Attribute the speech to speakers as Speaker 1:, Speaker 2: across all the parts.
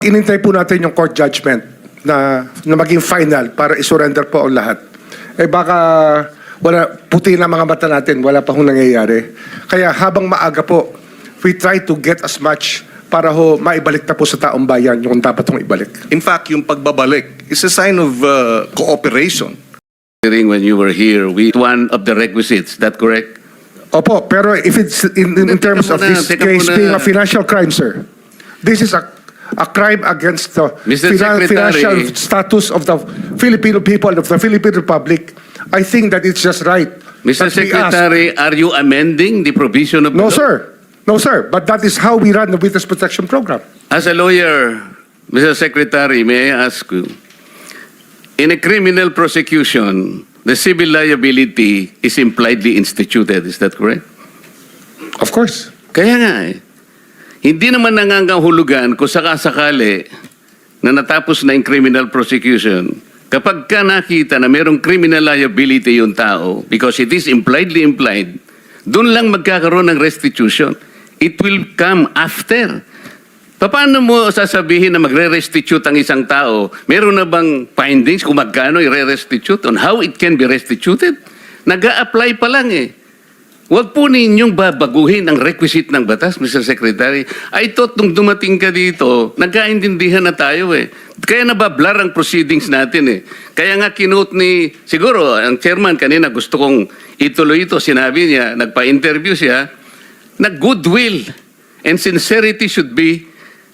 Speaker 1: Inintay po natin yung court judgment na maging final para isurrender po ang lahat. Eh baka wala, puti na mga mata natin, wala pa hong nangyayari. Kaya habang maaga po, we try to get as much para ho maibalik na po sa taong bayan yung dapat hong ibalik.
Speaker 2: In fact, yung pagbabalik is a sign of cooperation.
Speaker 3: When you were here with one of the requisites, that correct?
Speaker 1: Opo, pero if it's in terms of this case being a financial crime, sir, this is a crime against the
Speaker 3: Mr.
Speaker 1: financial
Speaker 3: Secretary.
Speaker 1: status of the Filipino people, of the Philippine Republic. I think that it's just right.
Speaker 3: Mr.
Speaker 1: that we ask.
Speaker 3: Secretary, are you amending the provision of
Speaker 1: No,
Speaker 3: the law?
Speaker 1: sir. No, sir. But that is how we run the Witness Protection Program.
Speaker 3: As a lawyer, Mr. Secretary, may I ask you, in a criminal prosecution, the civil liability is impliedly instituted. Is that correct?
Speaker 1: Of course.
Speaker 3: Kaya nga eh. Hindi naman nangangahulugan kung sakasakali na natapos na yung criminal prosecution, kapag ka nakita na mayroong criminal liability yung tao, because it is impliedly implied, doon lang magkakaroon ng restitution. It will come after. Paano mo sasabihin na magre-restitute ang isang tao? Meron na bang findings kung magkano i-restitute on how it can be restituted? Nag-a-apply pa lang eh. Huwag po ninyong babaguhin ang requisite ng batas, Mr. Secretary. I thought nung dumating ka dito, nagkaintindihan na tayo eh. Kaya nabablar ang proceedings natin eh. Kaya nga kinote ni, siguro, ang chairman kanina gusto kong ituloy ito. Sinabi niya, nagpa-interview siya, na goodwill and sincerity should be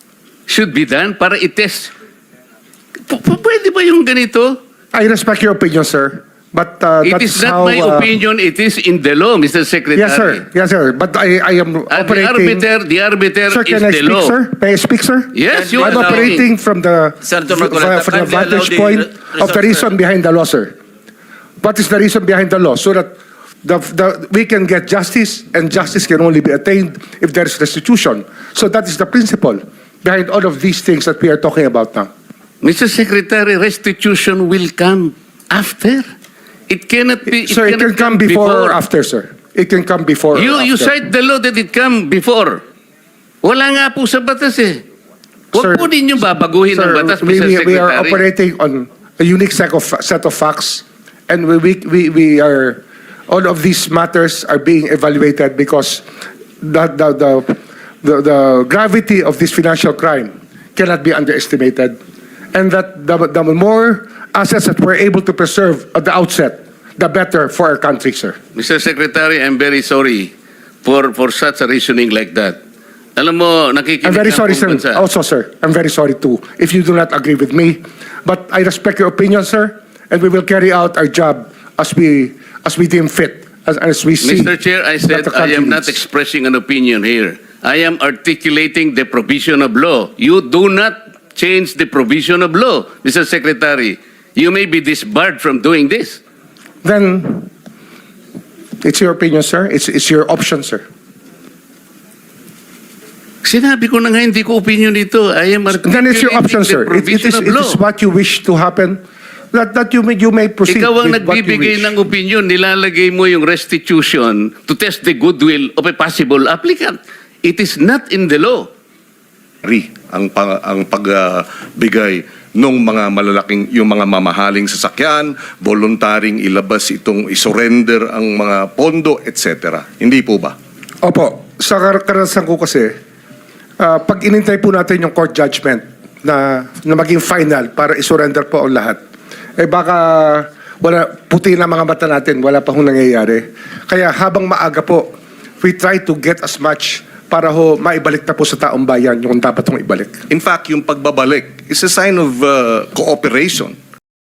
Speaker 3: done para i-test. Pwede ba yung ganito?
Speaker 1: I respect your opinion, sir. But
Speaker 3: It
Speaker 1: that
Speaker 3: is
Speaker 1: is
Speaker 3: not
Speaker 1: how,
Speaker 3: my opinion, it is in the law, Mr. Secretary.
Speaker 1: Yes, sir. Yes, sir. But I am operating.
Speaker 3: The arbiter
Speaker 1: Sir,
Speaker 3: is
Speaker 1: can I
Speaker 3: the
Speaker 1: speak,
Speaker 3: law.
Speaker 1: sir? May I speak, sir?
Speaker 3: Yes, you
Speaker 1: I'm
Speaker 3: are
Speaker 1: operating from the
Speaker 4: Senator Marcoleta,
Speaker 1: from the
Speaker 4: kindly allow
Speaker 1: vantage
Speaker 4: the
Speaker 1: point of the
Speaker 4: resource,
Speaker 1: reason behind the law, sir. What is the reason behind the law? So that we can get justice, and justice can only be attained if there is restitution. So that is the principle behind all of these things that we are talking about now.
Speaker 3: Mr. Secretary, restitution will come after. It cannot be.
Speaker 1: Sir, it can
Speaker 3: cannot
Speaker 1: come before or after, sir. It can come before or
Speaker 3: You
Speaker 1: after.
Speaker 3: cite the law that it come before. Wala nga po sa batas eh.
Speaker 1: Sir,
Speaker 3: Huwag po ninyong babaguhin ang batas, Mr. Secretary.
Speaker 1: we are operating on a unique set of facts, and we are, all of these matters are being evaluated because the gravity of this financial crime cannot be underestimated, and that the more assets that we're able to preserve at the outset, the better for our country, sir.
Speaker 3: Mr. Secretary, I'm very sorry for such a reasoning like that. Alam mo, nakikinig
Speaker 1: I'm very
Speaker 3: ang
Speaker 1: sorry,
Speaker 3: buong
Speaker 1: sir.
Speaker 3: bansa.
Speaker 1: Also, sir, I'm very sorry too if you do not agree with me. But I respect your opinion, sir, and we will carry out our job as we deem fit, as we see.
Speaker 3: Mr. Chair, I said
Speaker 1: that the
Speaker 3: I
Speaker 1: country
Speaker 3: am not
Speaker 1: needs.
Speaker 3: expressing an opinion here. I am articulating the provision of law. You do not change the provision of law, Mr. Secretary. You may be disbarred from doing this.
Speaker 1: Then it's your opinion, sir. It's your option, sir.
Speaker 3: Sinabi ko na nga, hindi ko opinion dito. I am
Speaker 1: Then it's your option,
Speaker 3: articulating
Speaker 1: sir.
Speaker 3: the provision of
Speaker 1: It
Speaker 3: law.
Speaker 1: is what you wish to happen. That you may proceed
Speaker 3: Ikaw ang
Speaker 1: with what you
Speaker 3: nagbibigay
Speaker 1: wish.
Speaker 3: ng opinion, nilalagay mo yung restitution to test the goodwill of a possible applicant. It is not in the law.
Speaker 2: Ang pagbigay ng mga malalaking, yung mga mamahaling sasakyan, voluntaring ilabas itong isurrender ang mga pondo, etc. Hindi po ba?
Speaker 1: Opo. Sa karanasan ko kasi, pag inintay po natin yung court judgment na maging final para isurrender po ang lahat, eh baka wala, puti na mga mata natin, wala pa hong nangyayari. Kaya habang maaga po, we try to get as much para ho maibalik na po sa taong bayan yung dapat hong ibalik.
Speaker 2: In fact, yung pagbabalik is a sign of cooperation.